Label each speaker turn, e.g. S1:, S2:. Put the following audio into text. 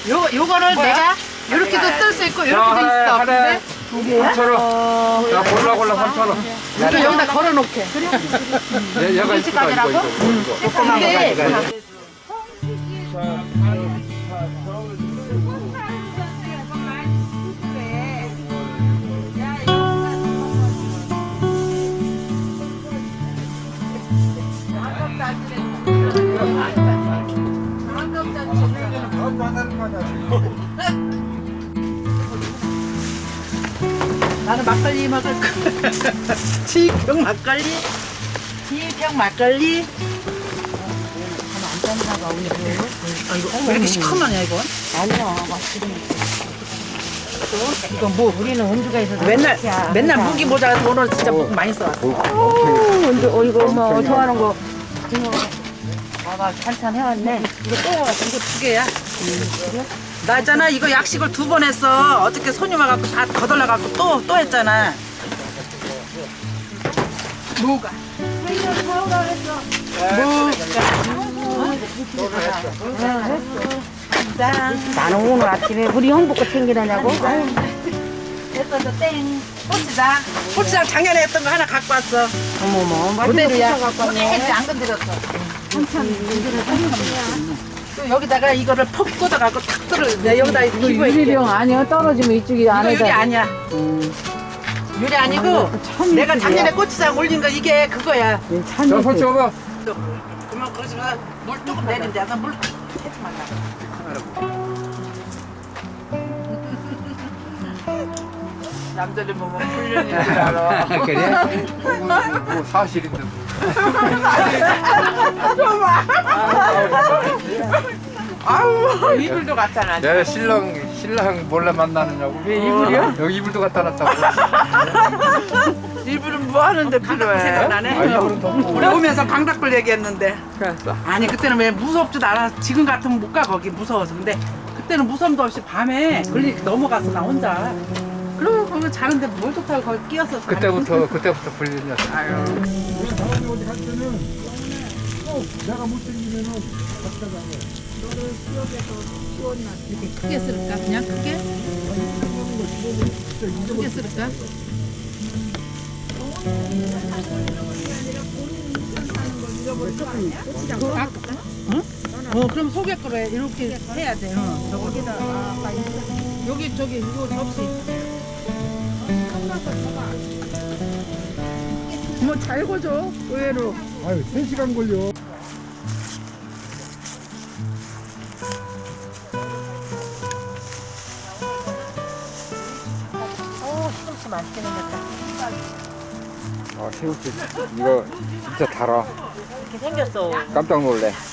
S1: 요거를 내가 요렇게도 뜰 수 있고 요렇게도 있어. 근데
S2: 두 개야? 3,000원. 야, 골라 3,000원.
S1: 이거 여기다 걸어놓게.
S2: 얘가 있을까, 이거.
S1: 조그만 거 가져가. 나는 막걸리 먹을 거. 지평 막걸리. 지평 막걸리. 안 짠나 봐, 오늘. 아, 이거 왜 이렇게 시커먼냐, 이건?
S3: 아니야, 맛있네.
S1: 이건 뭐?
S3: 우리는 원주가 있어서
S1: 맨날 무기 모자라서 오늘 진짜 무 많이 써왔어.
S3: 원주, 이거 뭐 좋아하는 거. 봐봐, 한참 해왔네.
S1: 이거 두 개야. 그래? 나 있잖아, 이거 약식을 2번 했어. 어저께 손님 와갖고 다 거덜나갖고 또 했잖아. 뭐가?
S3: 나는 오늘 아침에 우리 형부 거 챙기라냐고.
S1: 됐어, 땡. 고추장 작년에 했던 거 하나 갖고 왔어.
S3: 어머머,
S1: 그대로야.
S3: 갖고 왔네.
S1: 안 건드렸어. 또 여기다가 이거를 퍽 꽂아갖고 탁 썰을 내 여기다 기부해.
S3: 유리병 아니야? 떨어지면 이쪽이
S1: 이거
S3: 안에다.
S1: 유리 아니야. 유리 아니고 내가 작년에 고추장 올린 거 이게 그거야.
S2: 자, 손 쳐봐.
S1: 그러면 거기서 물 조금 내린대. 나물 해지 말라. 남들이 보면 훈련인 줄 알아.
S2: 그래? 뭐 사실인데.
S1: 아우 이불도 갖다 놨.
S2: 내 신랑 몰래 만나느냐고. 왜
S1: 이불이요?
S2: 여기 이불도 갖다 놨다고.
S1: 이불은 뭐 하는데 필요해? 생각나네.
S2: 아, 이불은 덮고.
S1: 우리 오면서 강닭불 얘기했는데.
S2: 그랬어.
S1: 아니 그때는 왜 무섭지도 않아. 지금 같으면 못 가 거기 무서워서. 근데 그때는 무섭도 없이 밤에 걸리 넘어가서 나 혼자. 그러면 거기 자는데 뭘 좋다고 거기 끼어서 자.
S2: 그때부터 불리냐. 아유.
S1: 이렇게 크게 쓸까? 그냥 크게? 크게 쓸까? 그럼 소개 거로 해. 이렇게 해야 돼. 저거기다. 여기 저기 이거 접시. 뭐 잘 고죠 의외로.
S4: 아유, 3시간 걸려.
S3: 시금치 맛있게 생겼다.
S2: 아, 새우젓 이거 진짜 달아.
S3: 이렇게 생겼어.
S2: 깜짝 놀래.